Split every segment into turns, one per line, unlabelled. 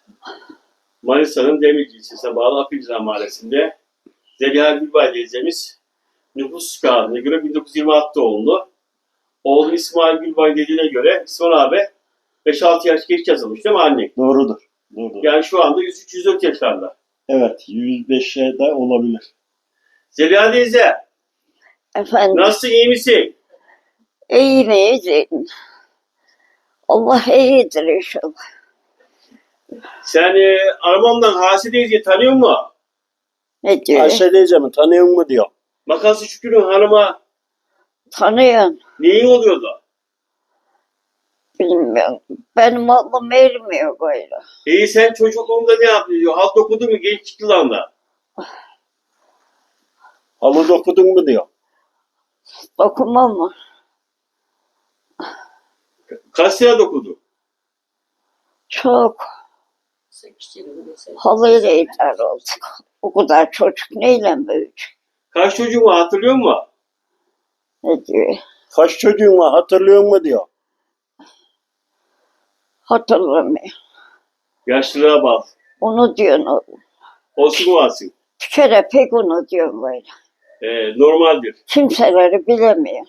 Manisa'nın Demirci ilçesine bağlı Akıncılar Mahallesi'nde Zeliha Gülbay teyzemiz nüfus kağıdına göre 1926 doğumlu. Oğlu İsmail Gülbay dediğine göre İsmail abi 5-6 yaş geç yazılmış değil mi anne?
Doğrudur. Doğrudur.
Yani şu anda 103-104 yaşlarında.
Evet, 105'e de olabilir.
Zeliha teyze,
Efendim,
nasılsın, iyi misin?
iyi miyiz? Allah iyidir inşallah.
Sen Armağan'dan Hasi teyzeyi tanıyor musun?
Ne diyor?
Ayşe teyzemi tanıyor mu diyor.
Makası Şükrü'nün hanıma
Tanıyorsun.
neyin oluyordu?
Bilmiyorum. Benim aklım ermiyor böyle.
İyi, sen çocukluğunda ne yaptın diyor. Halt okudun mu genç yıllarında?
Halı dokudun mu diyor.
Dokunmam mı?
Kaç sene okudun?
Çok. Halıyla ithal olduk. O kadar çocuk neyle büyüyecek?
Kaç çocuğun var hatırlıyor musun?
Ne diyor?
Kaç çocuğun var hatırlıyor mu diyor.
Hatırlamıyor.
Yaşlılığa bak.
Onu diyorsun oğlum.
Olsun varsın.
Bir kere pek onu diyorum böyle.
Normaldir.
Kimseleri bilemiyor.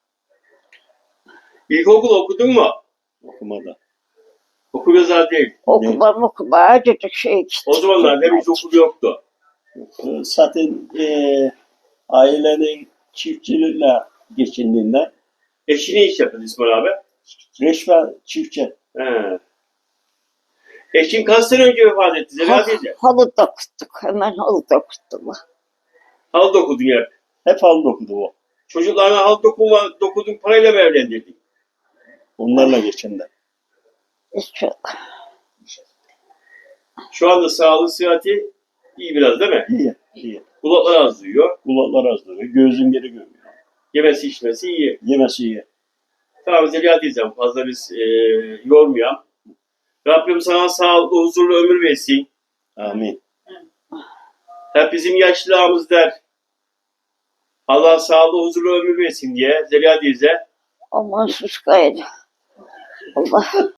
İlkokul okudun mu?
Okumada.
Okul yazar değil.
Okuma acıcık şey işte.
O zamanlar hiç okul yoktu.
Zaten ailenin çiftçilikle geçindiğinden
Eşi ne iş yapıyordu İsmail abi?
resmen çiftçi.
He. Eşin kaç sene önce vefat etti Zeliha teyze?
Halı dokuttuk. Hemen halı dokuttum.
Halı dokudun hep.
Hep halı dokudu o.
Çocuklarına halı dokudun parayla mı evlendirdin?
Onlarla geçindi.
Çok.
Şu anda sağlığı sıhhati iyi biraz değil mi?
İyi. İyi.
Kulaklar az duyuyor.
Kulaklar az duruyor. Gözün geri görmüyor.
Yemesi içmesi iyi.
Yemesi iyi.
Tamam Zeliha teyzem, fazla biz yormayalım. Rabbim sana sağlıklı, huzurlu ömür versin.
Amin.
Hep bizim yaşlılığımız der. Allah sağlıklı, huzurlu ömür versin diye Zeliha teyze.
Aman sus gayrı. Allah